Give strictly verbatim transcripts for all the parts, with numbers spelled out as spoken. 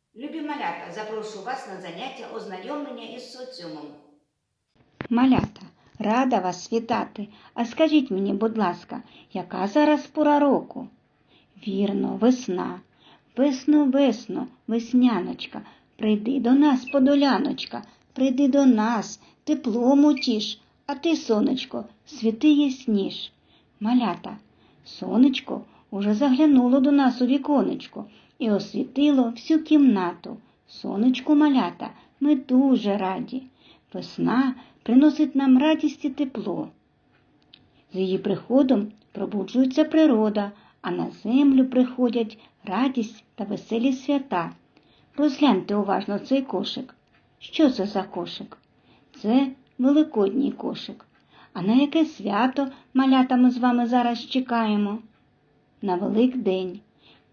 Любі малята, запрошую вас на заняття ознайомлення із соціумом. Малята, рада вас вітати. А скажіть мені, будь ласка, яка зараз пора року? Вірно, весна. Весно, весно, весняночка, прийди до нас, подоляночка, прийди до нас, теплом утіш, а ти, сонечко, світи ясніш. Малята, сонечко уже заглянуло до нас у віконечко і освітило всю кімнату. Сонечку, малята, ми дуже раді. Весна приносить нам радість і тепло. З її приходом пробуджується природа, а на землю приходять радість та веселі свята. Розгляньте уважно цей кошик. Що це за кошик? Це великодній кошик. А на яке свято, малята, ми з вами зараз чекаємо? На Великдень.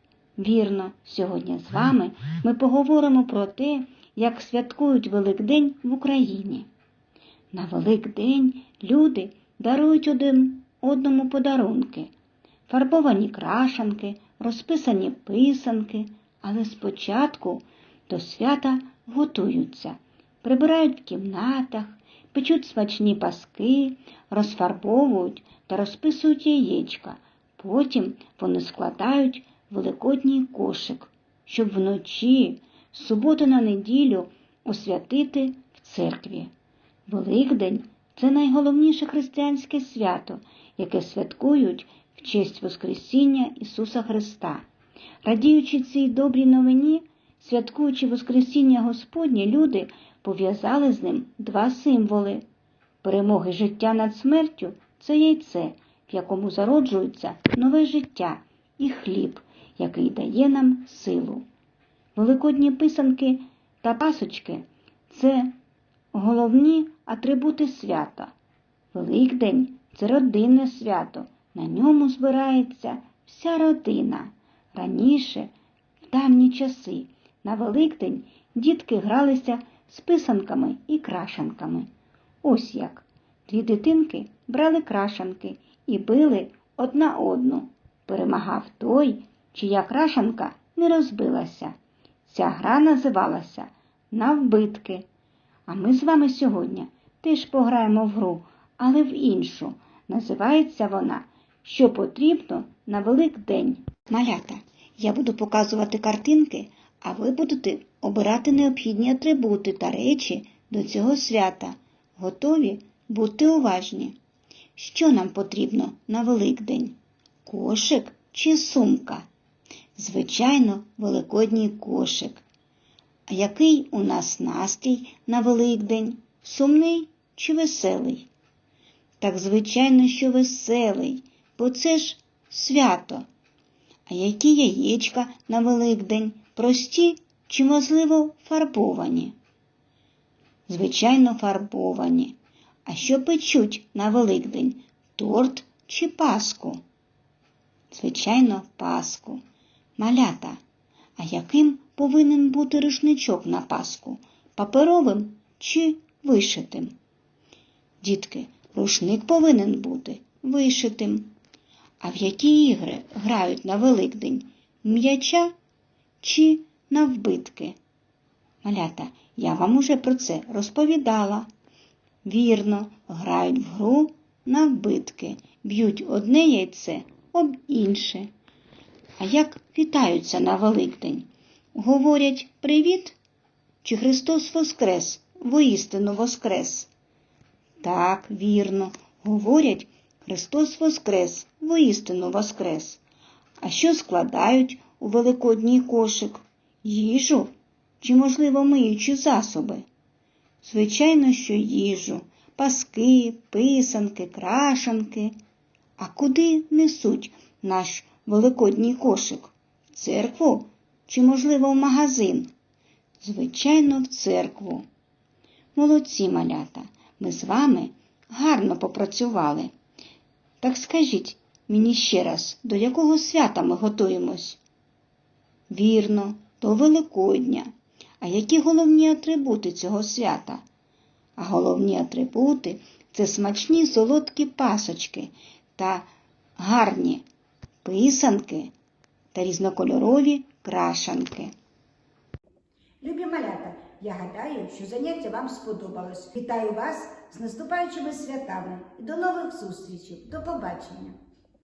Вірно, сьогодні з вами ми поговоримо про те, як святкують Великдень в Україні. На Великдень люди дарують один одному подарунки. Фарбовані крашанки, розписані писанки, але спочатку до свята готуються. Прибирають в кімнатах, печуть смачні паски, розфарбовують та розписують яєчка. Потім вони складають великодній кошик, щоб вночі, з суботи на неділю, освятити в церкві. Великдень – це найголовніше християнське свято, яке святкують в честь Воскресіння Ісуса Христа. Радіючи цій добрій новині, святкуючи Воскресіння Господнє, люди пов'язали з ним два символи. Перемоги життя над смертю – це яйце, в якому зароджується нове життя, і хліб, який дає нам силу. Великодні писанки та пасочки – це головні атрибути свята. Великдень – це родинне свято, на ньому збирається вся родина. Раніше, в давні часи, на Великдень дітки гралися з писанками і крашанками. Ось як. Дві дитинки брали крашанки і били одна одну. Перемагав той, чия крашанка не розбилася. Ця гра називалася «Навбитки». А ми з вами сьогодні теж пограємо в гру, але в іншу. Називається вона «Що потрібно на Великдень». Малята, я буду показувати картинки, а ви будете обирати необхідні атрибути та речі до цього свята. Готові? Будьте уважні. Що нам потрібно на Великдень? Кошик чи сумка? Звичайно, великодній кошик. А який у нас настрій на Великдень? Сумний чи веселий? Так, звичайно, що веселий, бо це ж свято. А які яєчка на Великдень? Прості чи, можливо, фарбовані? Звичайно, фарбовані. А що печуть на Великдень? Торт чи паску? Звичайно, паску. Малята, а яким повинен бути рушничок на паску? Паперовим чи вишитим? Дітки, рушник повинен бути вишитим. А в які ігри грають на Великдень? М'яча чи навбитки? Малята, я вам уже про це розповідала. Вірно, грають в гру навбитки, б'ють одне яйце об інше. А як вітаються на Великдень? Говорять «Привіт» чи «Христос воскрес», «Воістину воскрес»? Так, вірно, говорять «Христос воскрес», «Воістину воскрес». А що складають у великодній кошик? Їжу чи, можливо, миючі засоби? Звичайно, що їжу, паски, писанки, крашанки. А куди несуть наш великодній кошик? В церкву чи, можливо, в магазин? Звичайно, в церкву. Молодці, малята, ми з вами гарно попрацювали. Так скажіть мені ще раз, до якого свята ми готуємось? Вірно, до Великодня. А які головні атрибути цього свята? А головні атрибути – це смачні солодкі пасочки та гарні писанки та різнокольорові крашанки. Любі малята, я гадаю, що заняття вам сподобалось. Вітаю вас з наступаючими святами і до нових зустрічей. До побачення!